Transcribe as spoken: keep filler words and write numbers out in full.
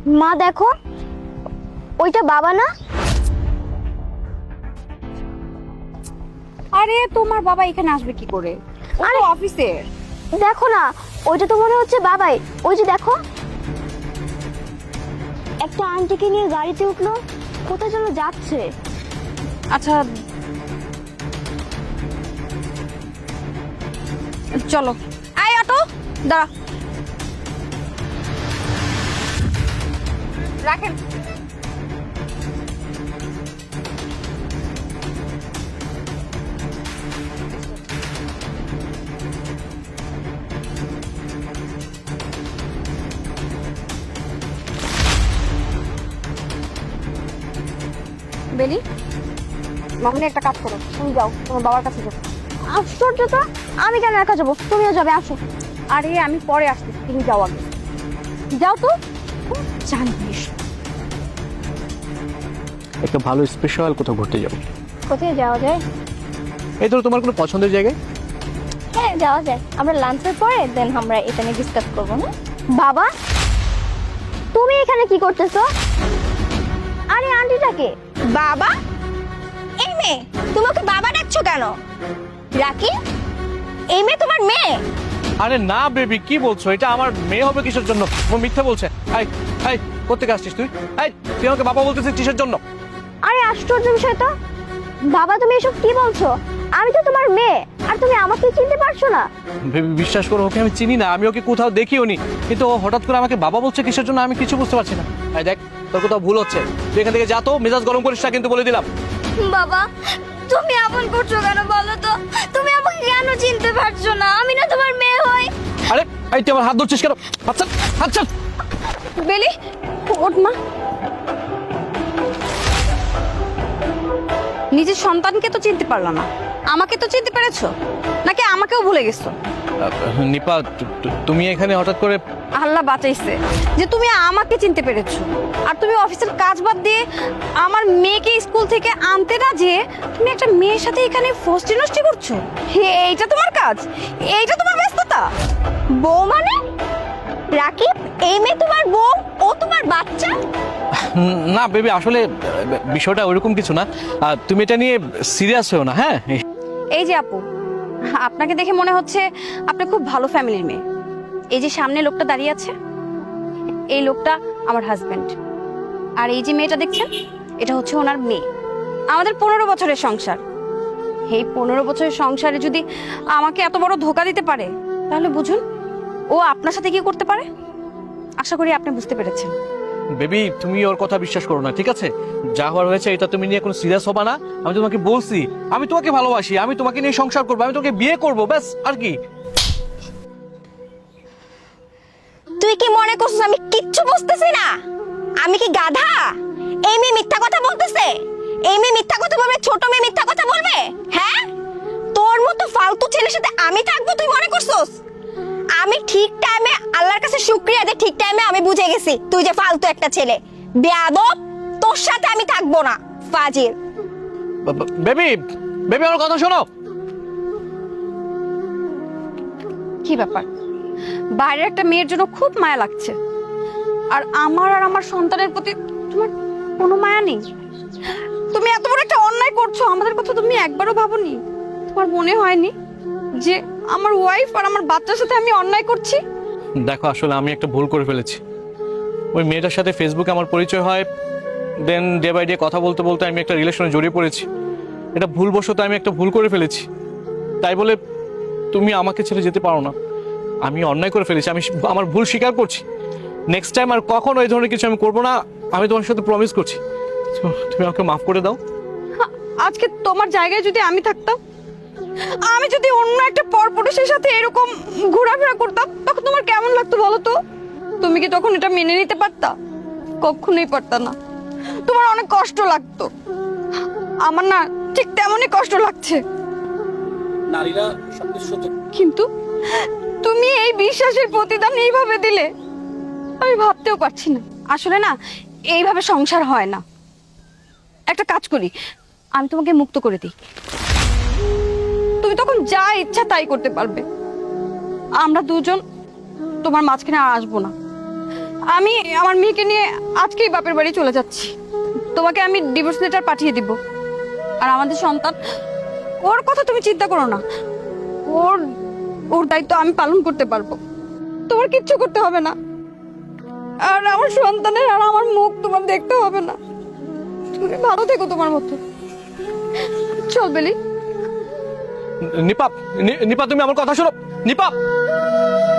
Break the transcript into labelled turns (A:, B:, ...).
A: মা দেখো, ওইটা বাবা না?
B: আরে তোমার বাবা এখানে আসবে কি করে? ও তো অফিসে।
A: দেখো না, ওইটা তো মনে হচ্ছে বাবাই। ওই যে দেখো, একটা আন্টিকে নিয়ে গাড়িতে উঠলো, কোথায় যেন যাচ্ছে।
B: আচ্ছা চলো। আয় অটো, দাঁড়া। রাখেন। বেলি, মামনি একটা কাজ করো, তুমি যাও তোমার বাবার কাছে যাও।
A: আশ্চর্য তো, আমি কেন একা যাবো? তুমিও যাবে, আসো।
B: আরে আমি পরে আসছি, তুমি যাও আগে। যাও তো। জানিস
C: একটা ভালো স্পেশাল কোথাও ঘুরতে যাবো।
A: কোথায় যাওয়া যায়?
C: এই ধরো তোমার কোনো পছন্দের জায়গায়?
A: হ্যাঁ যাওয়া যায়, আমরা লাঞ্চের পরে দেন আমরা এটা নিয়ে ডিসকাস করবো না? বাবা, তুমি এখানে কি করতেছো? আরে আন্টিটাকে।
D: বাবা? এই মেয়ে, তুমি ওকে বাবা ডাকছো কেন? রাকি, এই মেয়ে তোমার মেয়ে?
C: আরে না বেবি, কি বলছো? এটা আমার মেয়ে হবে কিসের জন্য? ও মিথ্যা বলছে। এই এই কোত্থেকে আসছিস তুই? এই তুই আমাকে বাবা বলতেছিস কিসের জন্য?
A: আরে আশ্চর্য বিষয় তো। বাবা, তুমি এসব কি বলছো? আমি তো তোমার মেয়ে, আর তুমি আমাকে চিনতে পারছো না?
C: বেবি বিশ্বাস করো, ওকে আমি চিনি না, আমি ওকে কোথাও দেখিও নি, কিন্তু ও হঠাৎ করে আমাকে বাবা বলছে কিসের জন্য আমি কিছু বুঝতে পারছি না। এই দেখ, তোর কোথাও ভুল হচ্ছে, তুই এখান থেকে যা তো, মেজাজ গরম করিস না কিন্তু, বলে দিলাম।
A: বাবা, তুমি এমন করছো কেন বলো তো? তুমি আমাকে কেন চিনতে পারছো না? আমি না তোমার মেয়ে হই?
C: আরে এই তুই আমার হাত ধরছিস কেন? হাত ছাড়, হাত ছাড়।
B: বেলি, ওঠ মা। নিজের সন্তানকে তো চিনতে পারলো না, আমাকে তো চিনতে পেরেছো নাকি আমাকেও ভুলে গেছো?
C: নিপা, তুমি এখানে হঠাৎ করে?
B: আল্লাহ বাঁচাইছে যে তুমি আমাকে চিনতে পেরেছো। আর তুমি অফিসের কাজ বাদ দিয়ে আমার মেয়েকে স্কুল থেকে আনতে না যেয়ে তুমি একটা মেয়ের সাথে এখানে ফষ্টি নষ্টি করছো। হে, এইটা তোমার কাজ? এইটা তোমার ব্যস্ততা?
D: বউ মানে? রাকিব, এই মেয়ে তোমার বউ, ও তোমার বাচ্চা?
C: না বেবি, আসলে বিষয়টা ওইরকম কিছু না, তুমি এটা নিয়ে সিরিয়াস হও না। হ্যাঁ,
B: এই যে আপু, আপনাকে দেখে মনে হচ্ছে আপনি খুব ভালো ফ্যামিলির মেয়ে। এই যে সামনে লোকটা দাঁড়িয়ে আছে, এই লোকটা আমার হাজবেন্ড। আর এই যে মেয়েটা দেখছেন, এটা হচ্ছে ওনার মেয়ে। আমাদের পনেরো বছরের সংসার। এই পনেরো বছরের সংসারে যদি আমাকে এত বড় ধোকা দিতে পারে, তাহলে বুঝুন ও আপনার সাথে কি করতে পারে। আশা করি আপনি বুঝতে পেরেছেন।
C: বেবি তুমি ওর কথা বিশ্বাস করো না, ঠিক আছে? যা হওয়ার হয়েছে এটা তুমি নিয়ে কোনো সিরিয়াস হবা না। আমি তোমাকে বলছি, আমি তোমাকে ভালোবাসি, আমি তোমাকে নিয়ে সংসার করবো, আমি তোমাকে বিয়ে করবো, ব্যাস। আর কি?
D: তুই কি মনে করছিস আমি কিচ্ছু বুঝতেছি না? আমি কি গাধা? এই মেয়ে মিথ্যা কথা বলতেছে? এই মেয়ে মিথ্যা কথা বলবে? ছোট মেয়ে মিথ্যা কথা বলবে? হ্যাঁ, তোর মতো ফালতু ছেলের সাথে আমি থাকবো তুই মনে করছিস? আমি ঠিক টাইমে আল্লাহর কাছে শুকরিয়া দে, ঠিক টাইমে আমি বুঝে গেছি তুই যে ফালতু একটা ছেলে। বেয়াদব, তোর সাথে আমি থাকবো না, ফাজিল।
C: বেবি, বেবি আমার কথা শোনো।
B: কি ব্যাপার? বাইরের একটা মেয়ের জন্য খুব মায়া লাগছে, আর আমার আর আমার সন্তানের প্রতি তোমার কোনো মায়া নেই? তুমি এত বড় একটা অন্যায় করছো, আমাদের কথা তুমি একবারও ভাবোনি? তোমার মনে হয়নি যে আমার ওয়াইফ আর আমার বাচ্চার সাথে আমি অন্যায় করছি?
C: দেখো, আসলে আমি একটা ভুল করে ফেলেছি। ওই মেয়েটার সাথে ফেসবুকে আমার পরিচয় হয়, দেন ডে বাই ডে কথা বলতে বলতে আমি একটা রিলেশনে জড়িয়ে পড়েছি। এটা ভুলবশত আমি একটা ভুল করে ফেলেছি, তাই বলে তুমি আমাকে ছেড়ে যেতে পারো না। আমি অন্যায় করে ফেলেছি, আমি আমার ভুল স্বীকার করছি। নেক্সট টাইম আর কখনো এই ধরনের কিছু আমি করবো না, আমি তোমার সাথে প্রমিস করছি। তো তুমি আমাকে মাফ করে দাও।
B: আজকে তোমার জায়গায় যদি আমি থাকতাম, আমি যদি অন্য একটা পরপুরুষের সাথে এরকম ঘোরাফেরা করতাম, তখন তোমার কেমন লাগতো বলো তো? তুমি কি তখন এটা মেনে নিতে পারতা? কখনোই পারতা না। তোমার অনেক কষ্ট লাগতো। আমার না ঠিক তেমনই কষ্ট লাগছে।
C: নারীরা সবকিছু সত্য।
B: কিন্তু তুমি এই বিশ্বাসের প্রতিদান এইভাবে দিলে, আমি ভাবতেও পারছি না। আসলে না, এইভাবে সংসার হয় না। একটা কাজ করি, আমি তোমাকে মুক্ত করে দিই, তুমি তখন যা ইচ্ছা তাই করতে পারবে। আমরা দুজন তোমার মাঝখানে আর আসবো না। আমি আমার মেয়েকে নিয়ে আজকেই বাপের বাড়ি চলে যাচ্ছি। তোমাকে আমি ডিভোর্স লেটার পাঠিয়ে দিব। আর আমাদের সন্তান, ওর কথা তুমি চিন্তা করো না। ওর ওর দায়িত্ব আমি পালন করতে পারবো। তোমার কিচ্ছু করতে হবে না। আর আমার সন্তানের আর আমার মুখ তোমার দেখতে হবে না। তুমি ভালো থেকো তোমার মতো। চল বেলি।
C: নিপা, নি- নিপা তুমি আমার কথা শোনো। নিপা।